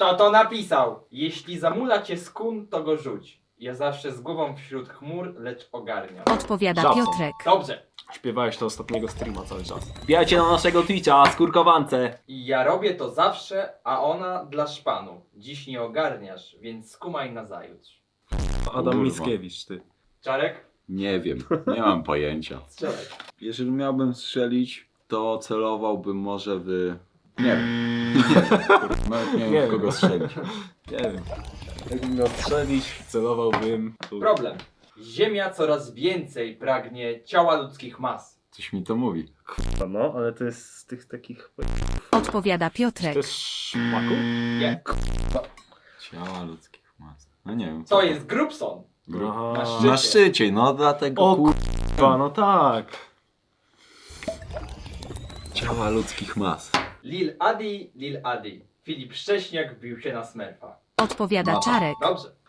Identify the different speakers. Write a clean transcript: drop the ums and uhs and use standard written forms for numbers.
Speaker 1: Kto to napisał? Jeśli zamula cię skun, to go rzuć. Ja zawsze z głową wśród chmur, lecz ogarniam.
Speaker 2: Odpowiada
Speaker 3: Żabson.
Speaker 2: Piotrek.
Speaker 1: Dobrze.
Speaker 3: Śpiewałeś to ostatniego streama cały czas. Wbijajcie na naszego Twitcha, skórkowance.
Speaker 1: I ja robię to zawsze, a ona dla szpanu. Dziś nie ogarniasz, więc skumaj nazajutrz.
Speaker 3: Adam
Speaker 4: Kurwa.
Speaker 3: Mickiewicz, ty.
Speaker 1: Czarek?
Speaker 4: Nie wiem, nie mam pojęcia.
Speaker 1: Strzelaj.
Speaker 4: Jeżeli miałbym strzelić, to celowałbym może w... Nie wiem. Nawet nie
Speaker 3: Nie
Speaker 4: wiem, w
Speaker 3: wiem.
Speaker 4: kogo strzelić.
Speaker 3: Nie wiem. Jakbym miał strzelić, celowałbym...
Speaker 1: Problem. Ziemia coraz więcej pragnie ciała ludzkich mas.
Speaker 4: Coś mi to mówi.
Speaker 3: No, ale to jest z tych takich...
Speaker 2: Odpowiada
Speaker 3: To
Speaker 2: Piotrek.
Speaker 3: jest szmaku?
Speaker 1: Nie.
Speaker 4: Ciała ludzkich mas. No nie wiem.
Speaker 1: To jest Grubson.
Speaker 3: Aha.
Speaker 1: Na szczycie.
Speaker 4: Na szczycie, no dlatego
Speaker 3: O kurwa, no tak.
Speaker 4: Ciała ludzkich mas.
Speaker 1: Lil Adi, Lil Adi. Filip Szcześniak wbił się na Smurfa.
Speaker 2: Odpowiada
Speaker 4: Mapa.
Speaker 2: Czarek.
Speaker 1: Dobrze.